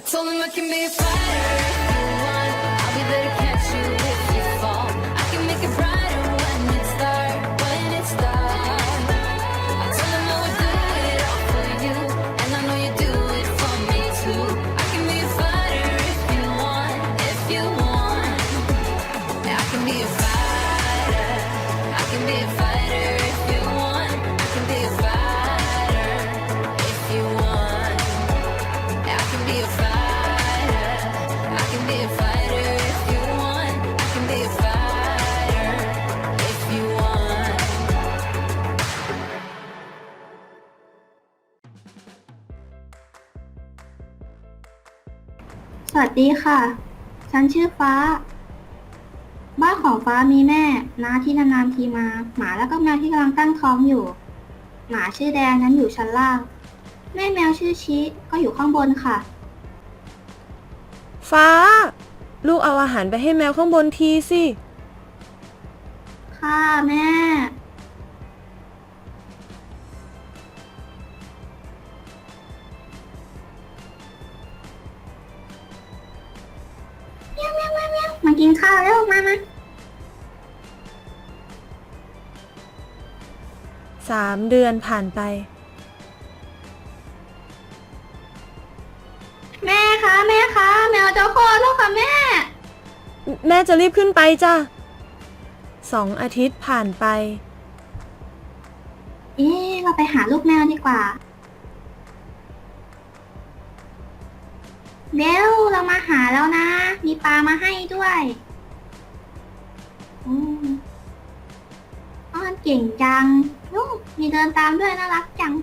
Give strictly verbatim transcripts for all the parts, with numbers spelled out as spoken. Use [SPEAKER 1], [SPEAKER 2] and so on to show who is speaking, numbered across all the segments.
[SPEAKER 1] Told him I can be a fighter if you want. I'll be there to catch you if you fall. I can make it brighter when it's dark, when it's dark. I told him I would do it all for you, and I know you do it for me too. I can be a fighter if you want, if you want. Yeah, I can be a fighter. I can be a fighter if you want. I can be a fighter if you want. Yeah, I can be a fighter. I can be a fighter if you want. I can be a fighter if you want.
[SPEAKER 2] สวัสดีค่ะ ฉันชื่อฟ้า บ้านของฟ้ามีแม่น้าที่นานๆทีมา หมาแล้วก็แมวที่กำลังตั้งท้องอยู่ หมาชื่อแดงนั้นอยู่ชั้นล่าง แม่แมวชื่อชิก็อยู่ข้างบนค่ะ
[SPEAKER 3] ฟ้า ลูกเอาอาหารไปให้แมวข้างบนทีสิ
[SPEAKER 2] ค่ะแม่เมียวเมียวเมียวเมียวมากินข้าวแล้วมามา
[SPEAKER 3] สามเดือนผ่านไป
[SPEAKER 2] แม่คะแม่คะแมวจะคลอดแล้วค่ะแม่
[SPEAKER 3] แม่จะรีบขึ้นไปจ้ะสองอาทิตย์ผ่านไป
[SPEAKER 2] เอ๊ะเราไปหาลูกแมวดีกว่าเบลเรามาหาแล้วนะ มีปลามาให้ด้วยอืมอ้อนเก่งจังนู่นมีเดินตามด้วยน่ารักจัง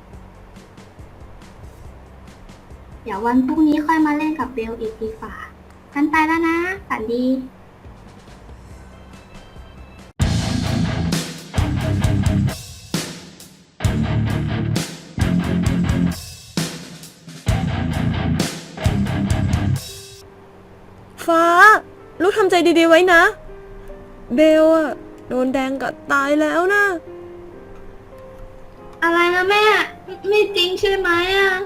[SPEAKER 2] เดี๋ยววันพรุ่งนี้ค่อยมาเล่นกับเบลอีกดีกว่ากันไปแล้วนะฝันดี
[SPEAKER 3] ฟ้า ลูกทำใจดีๆไว้นะ เบลอะโดนแดงกัดตายแล้วนะ
[SPEAKER 2] อะไรนะแม่ ไม่จริงใช่ไหมอ่ะ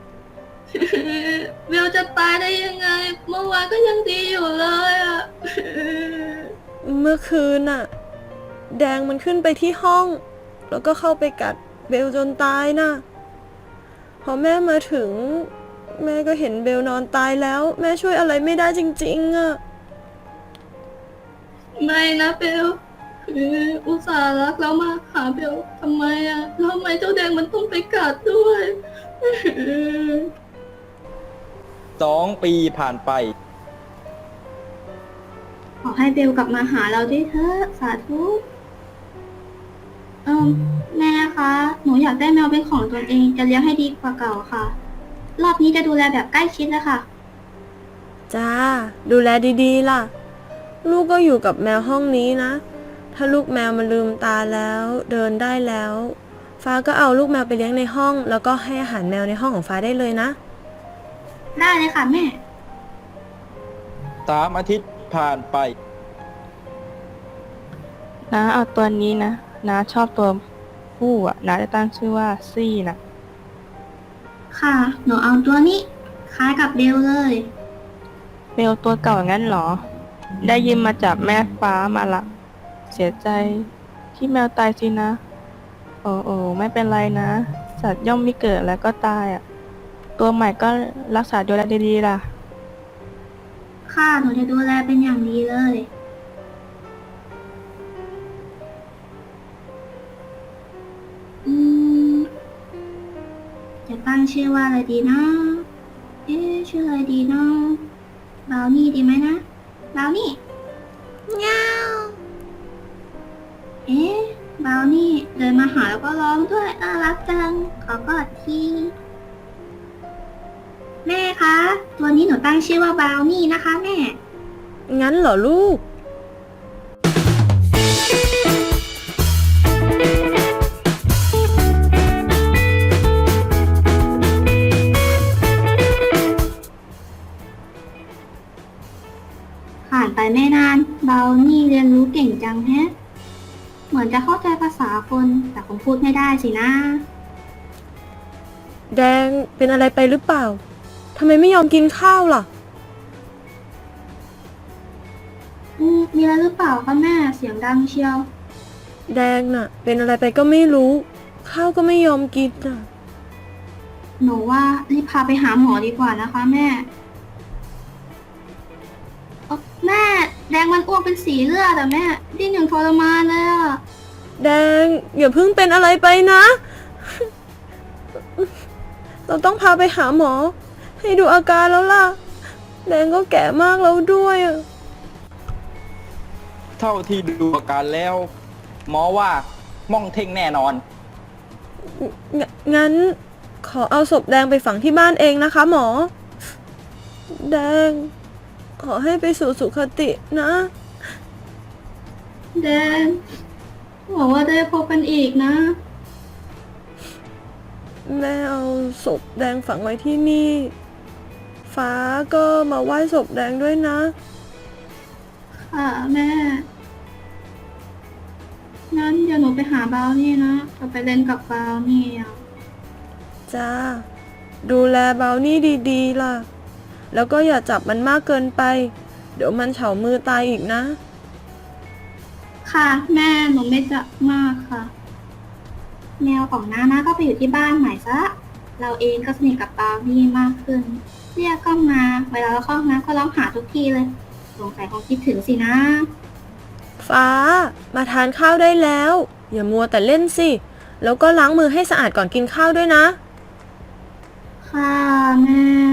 [SPEAKER 2] เบลจะตายได้ยังไง เมื่อวานก็ยังดีอยู่เลยอ่ะ
[SPEAKER 3] เมื่อคืนน่ะ แดงมันขึ้นไปที่ห้อง แล้วก็เข้าไปกัดเบลจนตายนะพอแม่มาถึง แม่ก็เห็นเบลนอนตายแล้ว แม่ช่วยอะไรไม่ได้จริงๆอะ
[SPEAKER 2] ไม่นะเบลอุตส่าห์รักแล้วมาหาเบลทำไมอ่ะแล้วทำไมเจ้าแดงมันต้องไปกัดด้วย
[SPEAKER 4] สองปีผ่านไป
[SPEAKER 2] ขอให้เบลกลับมาหาเราด้วยเถอะสาธุเออแม่คะ หนูอยากได้แมวเป็นของตนเองจะเลี้ยงให้ดีกว่าเก่าค่ะ รอบนี้จะดูแลแบบใกล้ชิดเลยค่ะ
[SPEAKER 3] จ้า ดูแลดีๆล่ะ ลูกก็อยู่กับแมวห้องนี้นะ ถ้าลูกแมวมันลืมตาแล้วเดินได้แล้ว ฟ้าก็เอาลูกแมวไปเลี้ยงในห้อง แล้วก็ให้อาหารแมวในห้องของฟ้าได้เลยนะ
[SPEAKER 2] ได้เลยค่ะแม่
[SPEAKER 4] สามอาทิตย์ผ่านไป
[SPEAKER 5] น้าเอาตัวนี้นะน้าชอบตัวผู้อ่ะน้าจะตั้งชื่อว่าซี่นะ
[SPEAKER 2] ค่ะ หนูเอาตัวนี้คล้ายกับเบลเลย
[SPEAKER 5] เบลตัวเก่างั้นเหรอ ได้ยินมาจากแม่ฟ้ามาละ เสียใจที่แมวตายสินะ โอ้โอ้ไม่เป็นไรนะ สัตว์ย่อมมีเกิดแล้วก็ตายอ่ะ ตัวใหม่ก็รักษาดูแลดีๆล่ะ
[SPEAKER 2] ค่ะ หนูจะดูแลเป็นอย่างดีเลย อืม จะตั้งชื่อว่าอะไรดีนะ เอ๊ะชื่ออะไรดีนะบราวนี่ดีไหมนะบราวนี่เงาเอ๊ะบราวนี่เดินมาหาแล้วก็ร้องด้วยน่ารักจัง ขอกอดทีแม่คะ ตัวนี้หนูตั้งชื่อว่าบราวนี่นะคะแม่
[SPEAKER 3] งั้นเหรอลูก
[SPEAKER 2] ผ่านไปไม่นานบราวนี่เรียนรู้เก่งจังแฮะ เหมือนจะเข้าใจภาษาคนแต่คงพูดไม่ได้สินะ
[SPEAKER 3] แดงเป็นอะไรไปหรือเปล่า ททำไมไม่ยอมกินข้าวล่ะ
[SPEAKER 2] อืมมีอะไรหรือเปล่าคะแม่เสียงดังเชียว
[SPEAKER 3] แดงน่ะ เป็นอะไรไปก็ไม่รู้ ข้าวก็ไม่ยอมกินน่ะ
[SPEAKER 2] หนูว่ารีบพาไปหาหมอดีกว่านะคะแม่เอ้าแม่แดงมันอ้วกเป็นสีเลือดอะแม่ดิ้นอย่างทรมานเลยอะ
[SPEAKER 3] แดงอย่าเพิ่งเป็นอะไรไปนะ เราต้องพาไปหาหมอ ให้ดูอาการแล้วล่ะ แดงก็แก่มากแล้วด้วยอะ
[SPEAKER 4] เท่าที่ดูอาการแล้ว หมอว่าม่องเท่งแน่นอน
[SPEAKER 3] งงั้นขอเอาศพแดงไปฝังที่บ้านเองนะคะหมอ แดง ขอให้ไปสู่สุคตินะ
[SPEAKER 2] แดงหวังว่าได้พบกันอีกนะ
[SPEAKER 3] แม่เอาศพแดงฝังไว้ที่นี่ ฟ้าก็มาไหว้ศพแดงด้วยนะ
[SPEAKER 2] ค่ะแม่ งั้นเดี๋ยวหนูไปหาบราวนี่นะจะไปเล่นกับบราวนี่อ่ะ
[SPEAKER 3] จ้า ดูแลเบานี่ดีๆล่ะ แล้วก็อย่าจับมันมากเกินไป เดี๋ยวมันเฉามือตายอีกนะ
[SPEAKER 2] ค่ะ แม่หนูไม่จะมากค่ะ แมวของน้านะก็ไปอยู่ที่บ้านใหม่ซะ เราเองก็สนิทกับบราวนี่มากขึ้น เรียกก็มา เวลาเราเข้าห้องน้ำก็ร้องหาทุกทีเลย สงสัยคงคิดถึงสินะ
[SPEAKER 3] ฟ้า มาทานข้าวได้แล้ว อย่ามัวแต่เล่นสิ แล้วก็ล้างมือให้สะอาดก่อนกินข้าวด้วยนะ
[SPEAKER 2] ค่ะแม่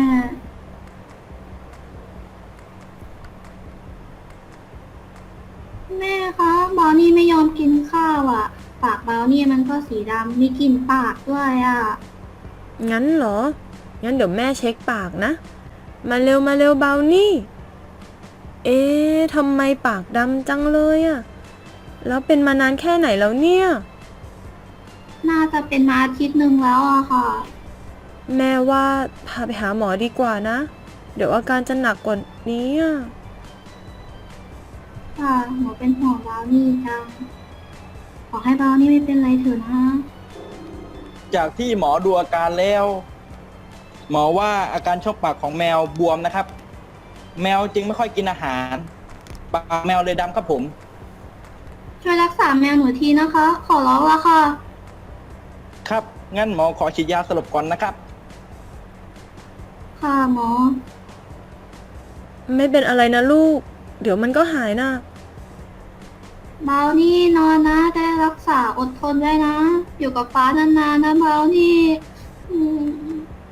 [SPEAKER 2] แม่คะบราวนี่ไม่ยอมกินข้าวอ่ะ ปากบราวนี่มันก็สีดำมีกลิ่นปากด้วยอ่ะ
[SPEAKER 3] งั้นเหรอ งั้นเดี๋ยวแม่เช็คปากนะ มาเร็วมาเร็วเบานี่ เอ๊ะทำไมปากดำจังเลยอะแล้วเป็นมานานแค่ไหนแล้วเนี่ย
[SPEAKER 2] น่าจะเป็นมาอาทิตย์หนึ่งแล้วอะค่ะ
[SPEAKER 3] แม่ว่าพาไปหาหมอดีกว่านะ เดี๋ยวอาการจะหนักกว่านี้อะ
[SPEAKER 2] ค่ะหนูเป็นห่วงบราวนี่จัง ขอให้บราวนี่ไม่เป็นไรเถอะนะ
[SPEAKER 4] จากที่หมอดูอาการแล้ว หมอว่าอาการช่องปากของแมวบวมนะครับ แมวจึงไม่ค่อยกินอาหารปากแมวเลยดำครับผม
[SPEAKER 2] ช่วยรักษาแมวหนูทีนะคะ ขอร้องละค่ะ
[SPEAKER 4] ครับ งั้นหมอขอฉีดยาสลบก่อนนะครับ
[SPEAKER 2] ค่ะหมอ
[SPEAKER 3] ไม่เป็นอะไรนะลูก เดี๋ยวมันก็หายนะ
[SPEAKER 2] บราวนี่นอนนะ ได้รักษาอดทนไว้นะ อยู่กับฟ้านานๆนะบราวนี่อืม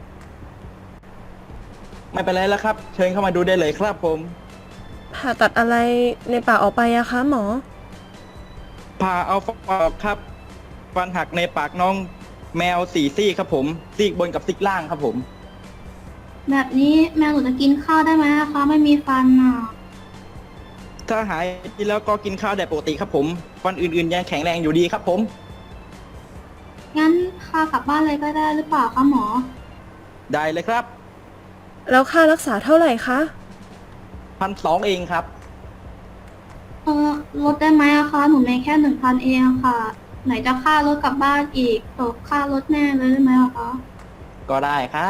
[SPEAKER 4] ไม่เป็นไรแล้วครับ เชิญเข้ามาดูได้เลยครับผม
[SPEAKER 3] ผ่าตัดอะไรในปากออกไปอะคะหมอ
[SPEAKER 4] ผ่าเอาฟันออกครับ ฟันหักในปากน้องแมวสี่ซี่ครับผม ซีกบนกับซีกล่างครับผม
[SPEAKER 2] แบบนี้แมวหนูจะกินข้าวได้ไหมคะ ไม่มีฟันอ่ะ
[SPEAKER 4] ถ้าหายดีแล้วก็กินข้าวได้ปกติครับผม ฟันอื่นๆยังแข็งแรงอยู่ดีครับผม
[SPEAKER 2] งั้นพากลับบ้านเลยก็ได้หรือเปล่าคะหมอ
[SPEAKER 4] ได้เลยครับ
[SPEAKER 3] แล้วค่ารักษาเท่าไหร่คะ
[SPEAKER 4] พันสองเองครับ
[SPEAKER 2] เออลดได้ไหมอะคะ หนูมีแค่หนึ่งพันเองอะค่ะ ไหนจะค่ารถกลับบ้านอีกตกค่ารถแน่เลยได้ไหมอะคะ
[SPEAKER 4] ก็ได้ครับ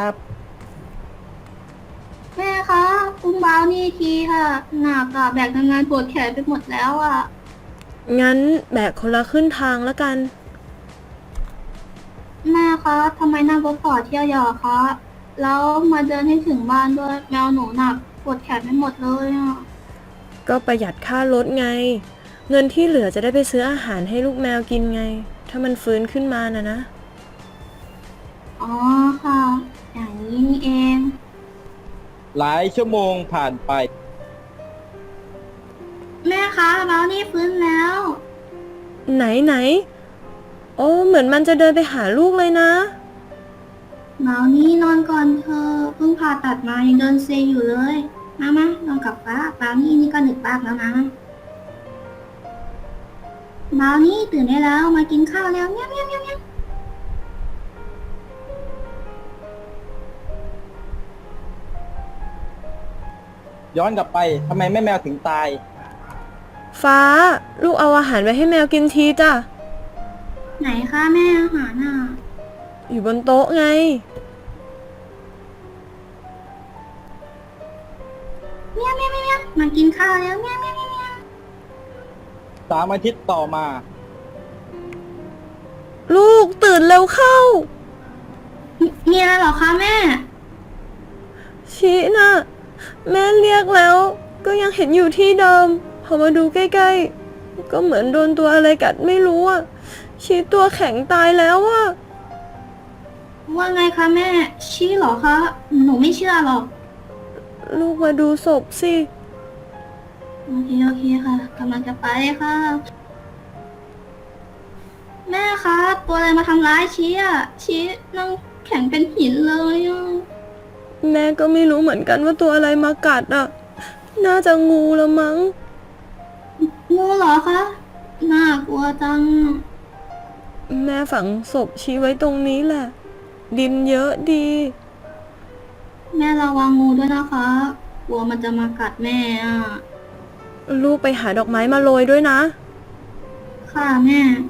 [SPEAKER 2] แม่คะอุ้มบราวนี่ทีค่ะ หนักอะแบกงานปวดแขนไปหมดแล้วอะ
[SPEAKER 3] งั้นแบกคนละครึ่งทางแล้วกัน
[SPEAKER 2] แม่คะทำไมนั่งรถต่อเที่ยวหยอคะ แล้วมาเดินให้ถึงบ้านด้วยแมวหนูหนักปวดแขนไปหมดเลยอะ
[SPEAKER 3] ก็ประหยัดค่ารถไง เงินที่เหลือจะได้ไปซื้ออาหารให้ลูกแมวกินไง ถ้ามันฟื้นขึ้นมานะนะ
[SPEAKER 2] อ๋อค่ะ อย่างนี้นี่เอง
[SPEAKER 4] หลายชั่วโมงผ่านไป
[SPEAKER 2] แม่คะบราวนี่ฟื้นแล้ว
[SPEAKER 3] ไหนไหน โอ้เหมือนมันจะเดินไปหาลูกเลยนะ
[SPEAKER 2] บราวนี่นอนก่อนเธอเพิ่งผ่าตัดมายังเดินเซอยู่เลย มามานอนกับฟ้าบราวนี่นี่ก็หนึกบ้ากแล้วนะบราวนี่ตื่นได้แล้วมากินข้าวแล้วเนี้ยเนี้ยเนี้ยเนี้ย
[SPEAKER 4] ย้อนกลับไปทำไมแม่แมวถึงตาย
[SPEAKER 3] ฟ้า ลูกเอาอาหารไว้ให้แมวกินทีจ้ะ
[SPEAKER 2] ไหนคะแม่อาหารน่ะ
[SPEAKER 3] อยู่บนโต๊ะไง
[SPEAKER 2] เมียวเมียวเมียวเมียวมากินข้าวแล้วเมียวเมียวเมียวเมียว
[SPEAKER 4] สามอาทิตย์ต่อมา
[SPEAKER 3] ลูกตื่นเร็วเข้า
[SPEAKER 2] มีมีอะไรเหรอคะแม่
[SPEAKER 3] ชีน่ะ แม่เรียกแล้ว ก็ยังเห็นอยู่ที่เดิม พอมาดูใกล้ๆ ก็เหมือนโดนตัวอะไรกัดไม่รู้อ่ะ ชีตัวแข็งตายแล้วอ่ะ
[SPEAKER 2] ว่าไงคะแม่ ชี้เหรอคะ หนูไม่เชื่อหรอก
[SPEAKER 3] ลูกมาดูศพสิ
[SPEAKER 2] โอเคโอเคค่ะกำลังจะไปค่ะ แม่คะ ตัวอะไรมาทำร้ายชี้อ่ะ ชี้นั่งแข็งเป็นหินเลยอ่ะ
[SPEAKER 3] แม่ก็ไม่รู้เหมือนกันว่าตัวอะไรมากัดอ่ะ น่าจะงูละมั้ง
[SPEAKER 2] งูเหรอคะ น่ากลัวจัง
[SPEAKER 3] แม่ฝังศพชี้ไว้ตรงนี้แหละ ดินเยอะดี
[SPEAKER 2] แม่ระวังงูด้วยนะคะ กลัวมันจะมากัดแม่อ่ะ
[SPEAKER 3] ลูกไปหาดอกไม้มาโรยด้วยนะ
[SPEAKER 2] ค่ะแม่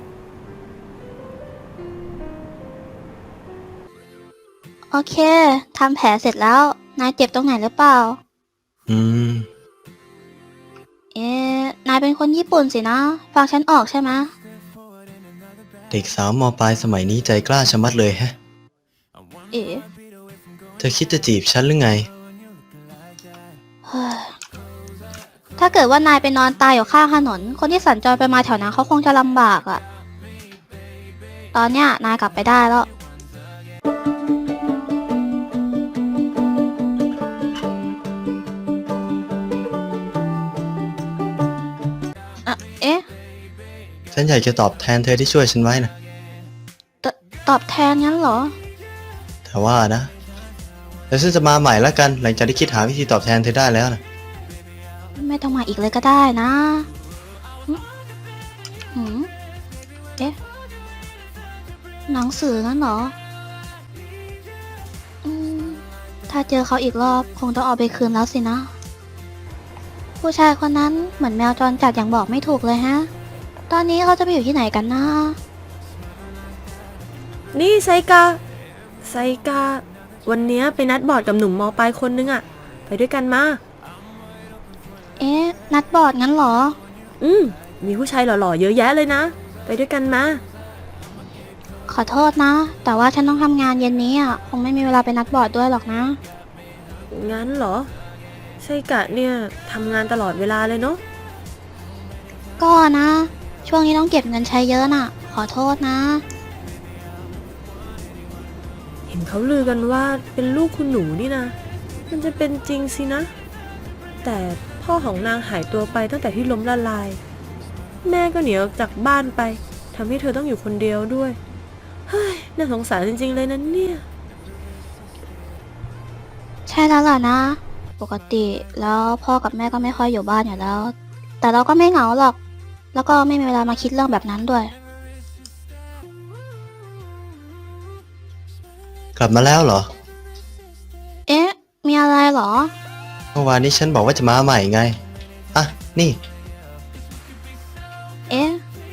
[SPEAKER 6] โอเค ทำแผลเสร็จแล้ว นายเจ็บตรงไหนหรือเปล่า
[SPEAKER 7] อืม
[SPEAKER 6] เอ๊ะ นายเป็นคนญี่ปุ่นสินะ ฟังฉันออกใช่ไหม
[SPEAKER 7] เด็กสาวมปลายสมัยนี้ใจกล้าชะมัดเลยแฮะ
[SPEAKER 6] เอ๊ะ
[SPEAKER 7] เธอคิดจะจีบฉันหรือไง
[SPEAKER 6] เฮ้ยถ้าเกิดว่านายไปนอนตายอยู่ข้างถนน คนที่สัญจรไปมาแถวนั้นเขาคงจะลำบากอะตอนเนี้ยนายกลับไปได้แล้ว อะเอ๊ะ
[SPEAKER 7] ฉันอยากจะตอบแทนเธอที่ช่วยฉันไว้นะ
[SPEAKER 6] ตตอบแทนงั้นเหรอ
[SPEAKER 7] แต่ว่านะแล้วฉันจะมาใหม่แล้วกัน หลังจากที่คิดหาวิธีตอบแทนเธอได้แล้วนะ
[SPEAKER 6] ไม่ต้องมาอีกเลยก็ได้นะหึหืมเอ๊ะ หนังสืองั้นเหรอ อืม ถ้าเจอเขาอีกรอบคงต้องเอาไปคืนแล้วสินะ ผู้ชายคนนั้นเหมือนแมวจรจัดอย่างบอกไม่ถูกเลยฮะ ตอนนี้เขาจะไปอยู่ที่ไหนกันนะ
[SPEAKER 3] นี่ไซกา ไซกา วันเนี้ยไปนัดบอร์ดกับหนุ่มมอปลายคนนึงอะไปด้วยกันมา
[SPEAKER 6] เอ๊ะ นัดบอร์ดงั้นเหรอ
[SPEAKER 3] อืม มีผู้ชายหล่อๆเยอะแยะเลยนะ ไปด้วยกันมา
[SPEAKER 6] ขอโทษนะ แต่ว่าฉันต้องทำงานเย็นนี้อ่ะ คงไม่มีเวลาไปนัดบอร์ดด้วยหรอกนะ
[SPEAKER 3] งั้นเหรอ ไซกะเนี่ยทำงานตลอดเวลาเลยเนาะ
[SPEAKER 6] ก็นะ ช่วงนี้ต้องเก็บเงินใช้เยอะน่ะ ขอโทษนะ
[SPEAKER 3] เห็นเขาลือกันว่าเป็นลูกคุณหนูนี่นะ มันจะเป็นจริงสินะ แต่พ่อของนางหายตัวไปตั้งแต่ที่ล้มละลาย แม่ก็หนีออกจากบ้านไปทำให้เธอต้องอยู่คนเดียวด้วย เฮ้ย น่าสงสารจริงๆเลยนะเนี่ย
[SPEAKER 6] ใช่แล้วล่ะนะ ปกติแล้วพ่อกับแม่ก็ไม่ค่อยอยู่บ้านอยู่แล้ว แต่เราก็ไม่เหงาหรอก แล้วก็ไม่มีเวลามาคิดเรื่องแบบนั้นด้วย
[SPEAKER 7] กลับมาแล้วเหรอ
[SPEAKER 6] เอ๊ะ มีอะไรเหรอ
[SPEAKER 7] เมื่อวานนี้ฉันบอกว่าจะมาใหม่ไง อ่ะ นี่
[SPEAKER 6] เอ๊ะ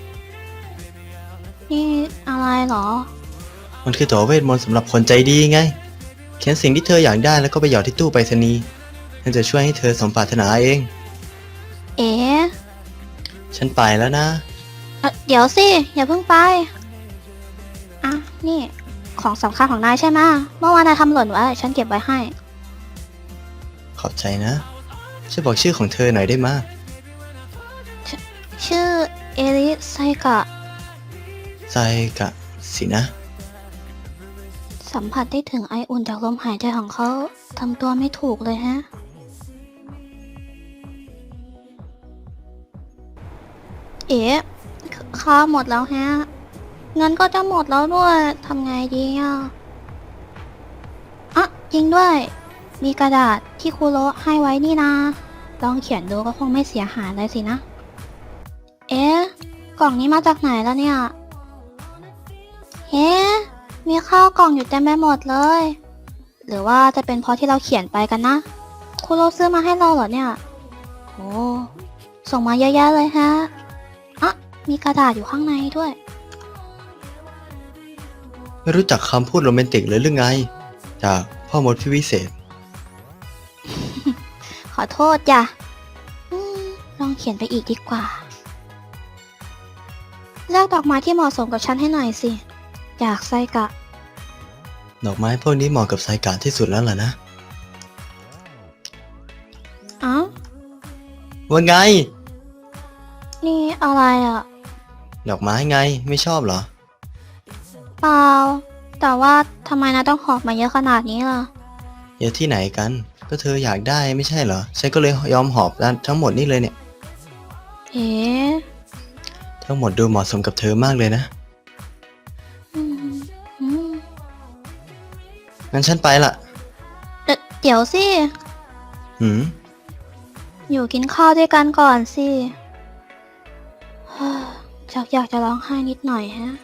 [SPEAKER 6] นี่อะไรเหรอ
[SPEAKER 7] มันคือตั๋วเวทมนต์สำหรับคนใจดีไง เขียนสิ่งที่เธออยากได้แล้วก็ไปหยอดที่ตู้ไปรษณีย์ฉันจะช่วยให้เธอสมปรารถนาเอง
[SPEAKER 6] เอ๊ะ
[SPEAKER 7] ฉันไปแล้วนะ
[SPEAKER 6] เอ่อเดี๋ยวสิ อย่าเพิ่งไป อ่ะ นี่ ของสำคัญของนายใช่ไหมะเมื่อวานนายทำหล่นไว้ ฉันเก็บไว้ให้
[SPEAKER 7] ขอบใจนะ ช่วยบอกชื่อของเธอหน่อยได้ไหม
[SPEAKER 6] ชื่อเอริไซกะ
[SPEAKER 7] ใจกะสินะ
[SPEAKER 6] สัมผัสได้ถึงไออุ่นจากลมหายใจของเขาทำตัวไม่ถูกเลยฮะ เอ๊ะข้าวหมดแล้วฮะ เงินก็จะหมดแล้วด้วยทำไงดีอ่ะอ่ะจริงด้วย มีกระดาษที่ครูโระให้ไว้นี่นะ ลองเขียนดูก็คงไม่เสียหายเลยสินะ เอ๊ะ กล่องนี้มาจากไหนแล้วเนี่ย เฮ้มีข้าวกล่องอยู่เต็มไปหมดเลย หรือว่าจะเป็นเพราะที่เราเขียนไปกันนะครูโรซื้อมาให้เราเหรอเนี่ยโอ้ส่งมาเยอะแยะเลยฮะอ่ะมีกระดาษอยู่ข้างในด้วย
[SPEAKER 7] ไม่รู้จักคำพูดโรแมนติกเลยหรือไง จากพ่อมดพี่วิเศษ
[SPEAKER 6] ขออโทษจ้ะอืมลองเขียนไปอีกดีกว่า เลือกดอกไม้ที่เหมาะสมกับฉันให้หน่อยสิ จากไซกะ
[SPEAKER 7] ดอกไม้พวกนี้เหมาะกับไซกะที่สุดแล้วล่ะนะ
[SPEAKER 6] เอ้า
[SPEAKER 7] ว่าไง
[SPEAKER 6] นี่อะไรอ่ะ
[SPEAKER 7] ดอกไม้ไงไม่ชอบเหรอ
[SPEAKER 6] เปล่า แต่ว่าทำไมนะต้องหอบมาเยอะขนาดนี้ล่ะ
[SPEAKER 7] เยอะที่ไหนกัน ก็เธออยากได้ไม่ใช่เหรอ ฉันก็เลยยอมหอบทั้งหมดนี่เลยเนี่ย
[SPEAKER 6] เอ๊ะ
[SPEAKER 7] ทั้งหมดดูเหมาะสมกับเธอมากเลยนะ
[SPEAKER 6] อืมอืม
[SPEAKER 7] งั้นฉันไปละ
[SPEAKER 6] เดยวเดี๋ยวสิ
[SPEAKER 7] หืม
[SPEAKER 6] อยู่กินข้าวด้วยกันก่อนสิ ชักอยากจะร้องไห้นิดหน่อยฮะ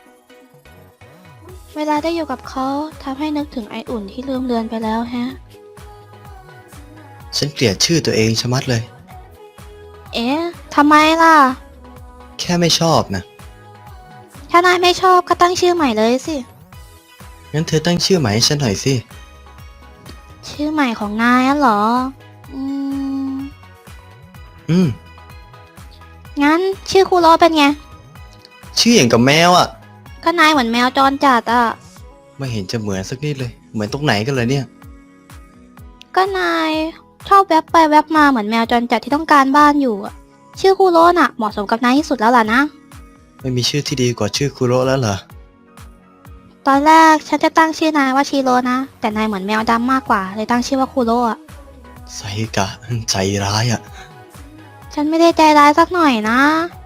[SPEAKER 6] เวลาได้อยู่กับเขาทำให้นึกถึงไออุ่นที่ลืมเลือนไปแล้วฮะ
[SPEAKER 7] ฉันเกลียดชื่อตัวเองชะมัดเลย
[SPEAKER 6] เอ๊ะทำไมล่ะ
[SPEAKER 7] แค่ไม่ชอบนะ
[SPEAKER 6] ถ้านายไม่ชอบก็ตั้งชื่อใหม่เลยสิ
[SPEAKER 7] งั้นเธอตั้งชื่อใหม่ให้ฉันหน่อยสิ
[SPEAKER 6] ชื่อใหม่ของนายอะเหรอ อืม
[SPEAKER 7] อืม
[SPEAKER 6] งั้นชื่อคูโรเป็นไง
[SPEAKER 7] ชื่ออย่างกับแมวอ่ะ
[SPEAKER 6] ก็นายเหมือนแมวจรจัดอะ
[SPEAKER 7] ไม่เห็นจะเหมือนสักนิดเลย เหมือนตรงไหนกันเลยเนี่ย
[SPEAKER 6] ก็นายชอบแวบไปแวบมาเหมือนแมวจรจัดที่ต้องการบ้านอยู่อะชื่อคูโรน่ะเหมาะสมกับนายที่สุดแล้วล่ะนะ
[SPEAKER 7] ไม่มีชื่อที่ดีกว่าชื่อคุโระแล้วเหรอ
[SPEAKER 6] ตอนแรกฉันจะตั้งชื่อนายว่าชิโร่นะ แต่นายเหมือนแมวดำมากกว่าเลยตั้งชื่อว่าคูโรอะ
[SPEAKER 7] ไซกะใจร้ายอ่ะ
[SPEAKER 6] ฉันไม่ได้ใจร้ายสักหน่อยนะ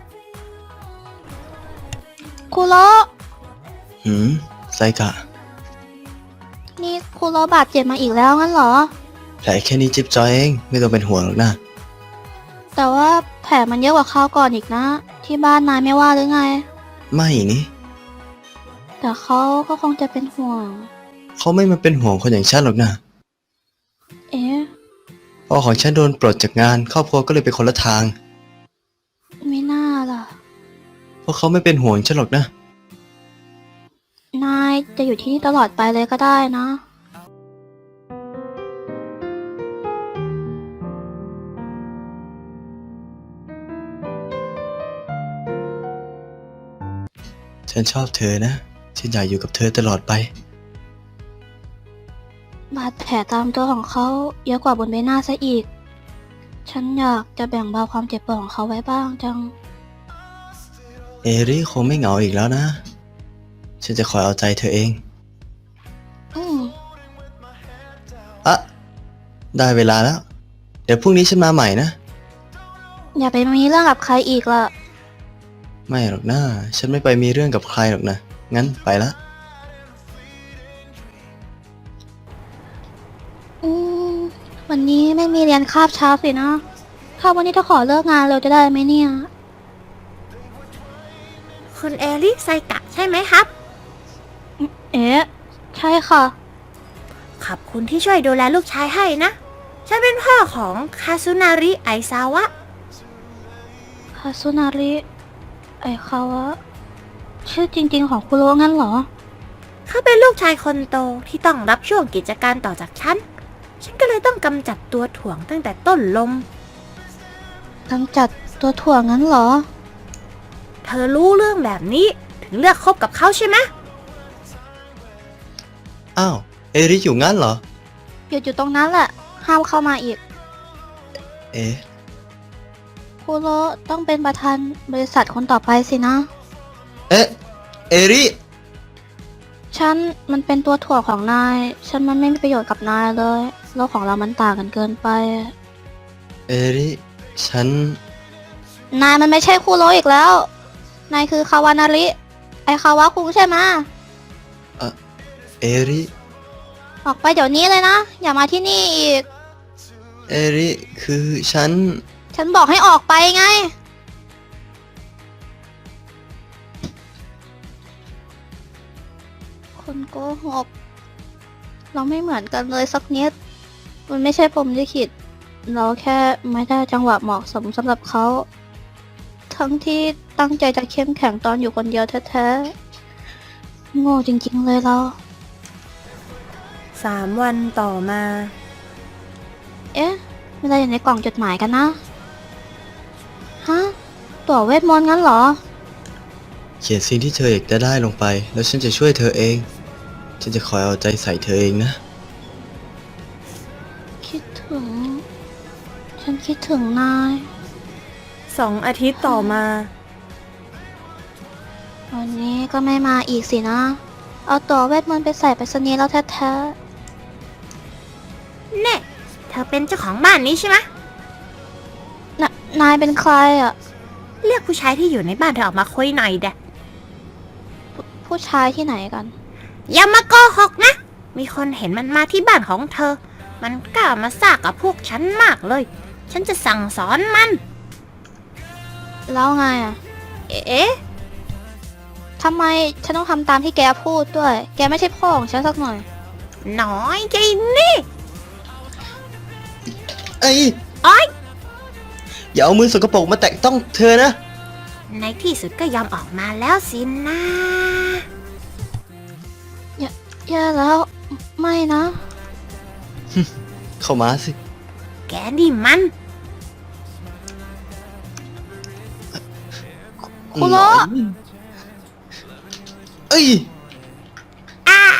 [SPEAKER 6] คูโร
[SPEAKER 7] หืม ไซกะ
[SPEAKER 6] นี่คูโรบาดเจ็บมาอีกแล้วงั้นเหรอ
[SPEAKER 7] แผลแค่นี้จิ๊บจอยเอง ไม่ต้องเป็นห่วงหรอกนะ
[SPEAKER 6] แต่ว่าแผลมันเยอะกว่าคราวก่อนอีกนะ ที่บ้านนายไม่ว่าหรือไง
[SPEAKER 7] ไม่นี่
[SPEAKER 6] แต่เขาก็คงจะเป็นห่วง
[SPEAKER 7] เขาไม่มาเป็นห่วงคนอย่างฉันหรอกนะ
[SPEAKER 6] เอ๊ะ
[SPEAKER 7] พ่อของฉันโดนปลดจากงาน ครอบครัวก็เลยไปคนละทาง
[SPEAKER 6] ไม่น่าล่ะ
[SPEAKER 7] เพราะเขาไม่เป็นห่วงฉันหรอกนะ
[SPEAKER 6] นายจะอยู่ที่นี่ตลอดไปเลยก็ได้นะ
[SPEAKER 7] ฉันชอบเธอนะ ฉันอยากอยู่กับเธอตลอดไป
[SPEAKER 6] บาดแผลตามตัวของเขาเยอะกว่าบนใบหน้าซะอีก ฉันอยากจะแบ่งเบาความเจ็บปวดของเขาไว้บ้างจัง
[SPEAKER 7] เอริคงไม่เหงาอีกแล้วนะ ฉันจะคอยเอาใจเธอเอง
[SPEAKER 6] อืม
[SPEAKER 7] อะได้เวลาแล้ว เดี๋ยวพรุ่งนี้ฉันมาใหม่นะ
[SPEAKER 6] อย่าไปมีเรื่องกับใครอีกล่ะ
[SPEAKER 7] ไม่หรอกนะ ฉันไม่ไปมีเรื่องกับใครหรอกนะ งั้นไปละ
[SPEAKER 6] อืม วันนี้ไม่มีเรียนคาบเช้าสินะ ถ้าวันนี้จะขอเลิกงานเร็วจะได้ไหมเนี่ย
[SPEAKER 8] คุณเอริไซกะใช่ไหมครับ
[SPEAKER 6] เอ๊ะ ใช่ค่ะ
[SPEAKER 8] ขอบคุณที่ช่วยดูแลลูกชายให้นะ ฉันเป็นพ่อของคาซุนาริไอซาวะ
[SPEAKER 6] คาซุนาริ ไอคาวะ ชื่อจริงๆของคุโรงั้นเหรอ
[SPEAKER 8] เขาเป็นลูกชายคนโตที่ต้องรับช่วงกิจการต่อจากฉัน ฉันก็เลยต้องกำจัดตัวถ่วงตั้งแต่ต้นลม
[SPEAKER 6] กำจัดตัวถ่วงงั้นเหรอ
[SPEAKER 8] เธอรู้เรื่องแบบนี้ถึงเลือกคบกับเขาใช่ไหม
[SPEAKER 7] อ้าว เอริอยู่งั้นเหรอ
[SPEAKER 6] หยุดอยู่ตรงนั้นแหละ ห้ามเข้ามาอีก
[SPEAKER 7] เอ๊ะ
[SPEAKER 6] คุโรต้องเป็นประธานบริษัทคนต่อไปสินะ
[SPEAKER 7] เอ๊ะ เอริ
[SPEAKER 6] ฉันมันเป็นตัวถ่วงของนาย ฉันมันไม่มีประโยชน์กับนายเลย โลกของเรามันต่างกันเกินไป
[SPEAKER 7] เอริ ฉัน
[SPEAKER 6] นายมันไม่ใช่คุโรอีกแล้ว นายคือคาวานาริ ไอคาวะคุงใช่ไหมะ
[SPEAKER 7] เอริ
[SPEAKER 6] ออกไปเดี๋ยวนี้เลยนะ อย่ามาที่นี่อีก
[SPEAKER 7] เอริ คือฉัน
[SPEAKER 6] ฉันบอกให้ออกไปไง คนโกหก เราไม่เหมือนกันเลยสักนิด มันไม่ใช่พรหมลิขิต เราแค่ไม่ได้จังหวะเหมาะสมสำหรับเขา ทั้งที่ตั้งใจจะเข้มแข็งตอนอยู่คนเดียวแท้ๆ โง่จริงๆเลยเรา
[SPEAKER 8] สามวันต่อมา
[SPEAKER 6] เอ๊ะไม่ได้อยู่ในกล่องจดหมายกันนะ ฮะ ตั๋วเวทมนต์งั้นเหรอ
[SPEAKER 7] เขียนสิ่งที่เธออยากจะได้ลงไป แล้วฉันจะช่วยเธอเอง ฉันจะคอยเอาใจใส่เธอเองนะ
[SPEAKER 6] คิดถึง ฉันคิดถึงนาย
[SPEAKER 3] สองอาทิตย์ต่อมา
[SPEAKER 6] วันนี้ก็ไม่มาอีกสินะ เอาตั๋วเวทมนต์ไปใส่ไปรษณีย์แล้วแท้
[SPEAKER 8] เน่เธอเป็นเจ้าของบ้านนี้ใช่ไหม
[SPEAKER 6] ๆนะนายเป็นใครอ่ะ
[SPEAKER 8] เรียกผู้ชายที่อยู่ในบ้านเธอออกมาคุยหน่อยเด้อ
[SPEAKER 6] ผู้ชายที่ไหนกัน
[SPEAKER 8] อย่ามาโกหกนะ มีคนเห็นมันมาที่บ้านของเธอ มันกล้ามาซ่ากับพวกฉันมากเลย ฉันจะสั่งสอนมัน
[SPEAKER 6] แล้วไงอ่ะ
[SPEAKER 8] เอ๊ะ
[SPEAKER 6] ทำไมฉันต้องทำตามที่แกพูดด้วย แกไม่ใช่พ่อของฉันสักหน่อย
[SPEAKER 8] น้อยใจนี่
[SPEAKER 7] ไอ้
[SPEAKER 8] โอ๊ย
[SPEAKER 7] อย่าเอามือสกปรกมาแตะต้องเธอนะ
[SPEAKER 8] ในที่สุดก็ยอมออกมาแล้วสินะ
[SPEAKER 6] แย่แล้ว ไม่นะ
[SPEAKER 7] เข้ามาสิ
[SPEAKER 8] แกนี่มัน
[SPEAKER 6] คุโระ
[SPEAKER 7] เอ้ย
[SPEAKER 8] อ่ะ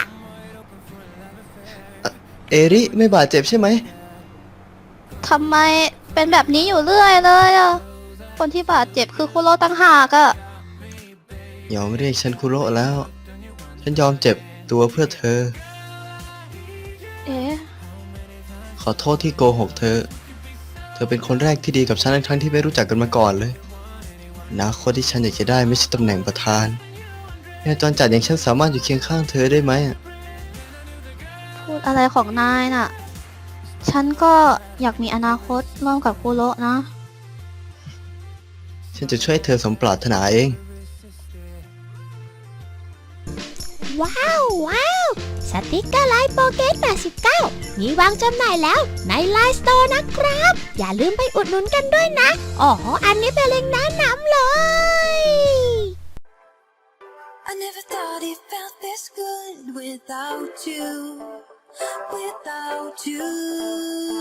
[SPEAKER 7] เอริไม่บาดเจ็บใช่ไหม
[SPEAKER 6] ทำไมเป็นแบบนี้อยู่เรื่อยเลยอ่ะ คนที่บาดเจ็บคือคุโระตั้งหากอ่ะ
[SPEAKER 7] ยอมเรียกฉันคุโระแล้ว ฉันยอมเจ็บตัวเพื่อเธอ
[SPEAKER 6] เอ๊ะ
[SPEAKER 7] ขอโทษที่โกหกเธอ เธอเป็นคนแรกที่ดีกับฉันทั้งๆที่ไม่รู้จักกันมาก่อนเลยอนาคตที่ฉันอยากจะได้ไม่ใช่ตำแหน่งประธานแม่จรจัดอย่างฉันสามารถอยู่เคียงข้างเธอได้ไหมอะ
[SPEAKER 6] พูดอะไรของนายน่ะ ฉันก็อยากมีอนาคตร่วมกับคุโระนะ
[SPEAKER 7] ฉันจะช่วยเธอสมปรารถนาเอง
[SPEAKER 8] ว้าว ว้าว สติกเกอร์ไลน์โปเกตแปดสิบเก้ามีวางจำหน่ายแล้วในไลน์สโตร์นะครับ อย่าลืมไปอุดหนุนกันด้วยนะ อ๋อ อันนี้เป็นเล็งก์แนะนำเลย
[SPEAKER 1] I never thought it felt this good without you, without you.